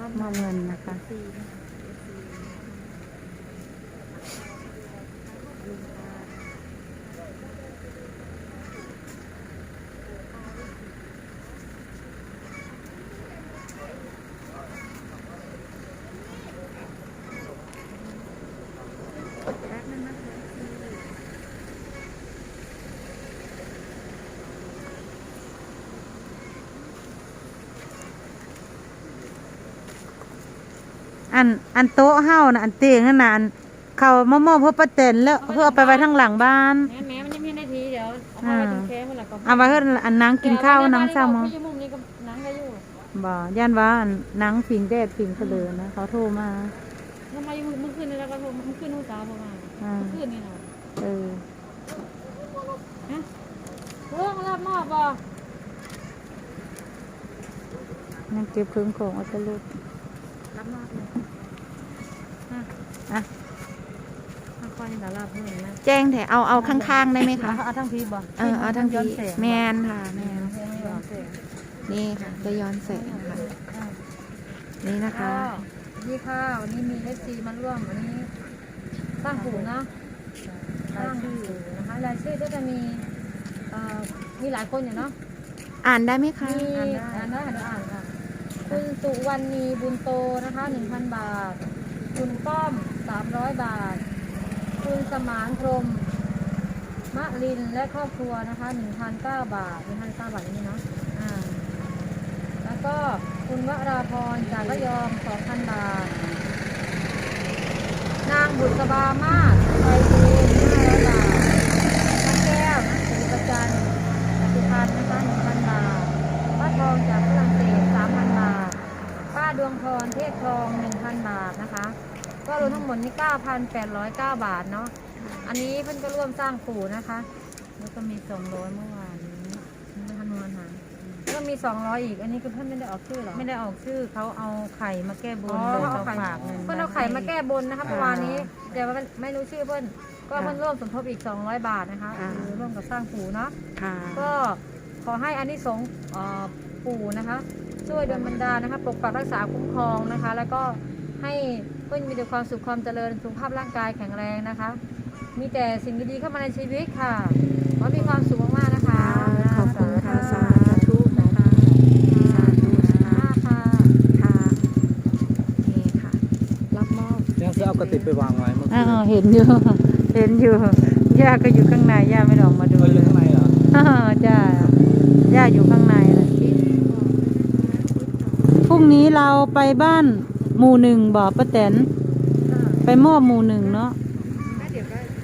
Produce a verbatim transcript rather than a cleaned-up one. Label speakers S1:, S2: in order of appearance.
S1: มอบเงินนะคะอันอันโต๊ะเฮานะอันเตียงนั่นน่ะอันเขามามอบเพื่อป้าแตนแล้วเพื่อเอาไปไว้ทางหลังบ้าน
S2: แม่แม่มันยังมีนาทีเดี๋ยวเอาไปตรงแคมป์มันละก็
S1: เอาไว้เพื่ออันนังกินข้าวนังซ้ำ
S2: มั้
S1: มั้
S2: ง
S1: ง
S2: มุมนี้ก็นังได้อยู่
S1: บ่ย่านว่าอันนังผิงแดดผิงเสลอนะเขาโทรมา
S2: ทำไมมึงขึ้นนี่แล้วก็มึงขึ้นหูตาประมาณมึงขึ้นนี่เนาะ
S1: เออ
S2: ฮะเรื่องรับมอบบ่
S1: นั่งเก็บเครื่องของเอาตะลุก
S2: รับมอบเลย
S1: อ่ะ
S2: ค่อยๆดาราเพิ่มนะ
S1: แจ้งแถเอาเอาข้างๆได้ไหมคะ
S2: เอาทั้งพีบ่
S1: เออเอาทั้งทีแมนค่ะแมน
S2: ย้อนแสง
S1: นี่ค่ะจะย้อนแสงค่ะนี่นะคะ
S2: นี่ค่ะวันนี้มีเอฟซีมาร่วมวันนี้สร้างผูนะสร้างผูนะคะรายชื่อก็จะมีเอ่อมีหลายคนอยู่เนาะ
S1: อ่านได้ไหมคะ
S2: มีอ่านได้อ่านได้อ่านค่ะคุณสุวรรณีบุญโตนะคะหนึ่งพันบาทคุณป้อมสามร้อยบาทคุณสมานพรหมมะลินและครอบครัวนะคะหนึ่งพันเก้าบาทหนึ่งพันเก้าบาทอย่างนี้เนาะอ่าแล้วก็คุณวราพรจากระยองสองพันบาทนางบุษบามาศไปดูห้าร้อยบาทน้าแก้วนะสุประจันทร์สุพรรณนะคะหนึ่งพันบาทป้าทองจากฝรั่งเศสสามพันบาทป้าดวงพรเทศทองหนึ่งพันบาทนะคะก็รวมทั้งหมดนี่เก้าพันแปดร้อยเก้าบาทเนาะอันนี้เพิ่นก็ร่วมสร้างปู่นะคะแล้วก็มีสองร้อยเมื่อวานนี้นะคะนวลหาแล้วก็มีสองร้อยอีกอันนี้คือเพิ่นไม่ได้ออกชื่อหรอไม่ได้ออกชื่อเขาเอาไข่มาแก้บนโดยเขาฝากเงินเพิ่นเอาไข่มาแก้บนนะคะเมื่อวานนี้แต่ว่าไม่รู้ชื่อเพิ่นก็เพิ่นร่วมสมทบอีกสองร้อยบาทนะคะคือร่วมกับสร้างปู่เนาะ
S1: ค่ะ
S2: ก็ขอให้อานิสงส์เอ่อปู่นะคะช่วยดลบันดาลนะคะปกปักรักษาคุ้มครองนะคะ แล้วก็ให้เพื่อนมีแต่ความสุขความเจริญสุขภาพร่างกายแข็งแรงนะคะ มีแต่สิ่งดีๆเข้ามาในชีวิตค่ะขอมีความสุขมากๆนะคะ
S1: ขอบคุณค่ะสาธุนะคะสาธุนะคะ
S2: ค่ะ
S1: ค่ะนี่ค่ะรับมอบ
S3: ยังจะเอากระติกไปวางไว้เมื่อ
S1: อ่า
S3: กี้
S1: เห็นอยู่ เห็นอยู่ย่าก็อยู่ข้างในย่าไม่ได้ออกมาดู
S3: เอาอ
S1: เล
S3: ยู่
S1: ย
S3: ข้างในเหรอ
S1: อ่าจ้าย่าอยู่ข้างในนะพรุ่งนี้เราไปบ้านหมู่หนึ่งบ่อป้าแตนไปมอบหมู่หนึ่งเนาะ
S2: เดี๋ยวก็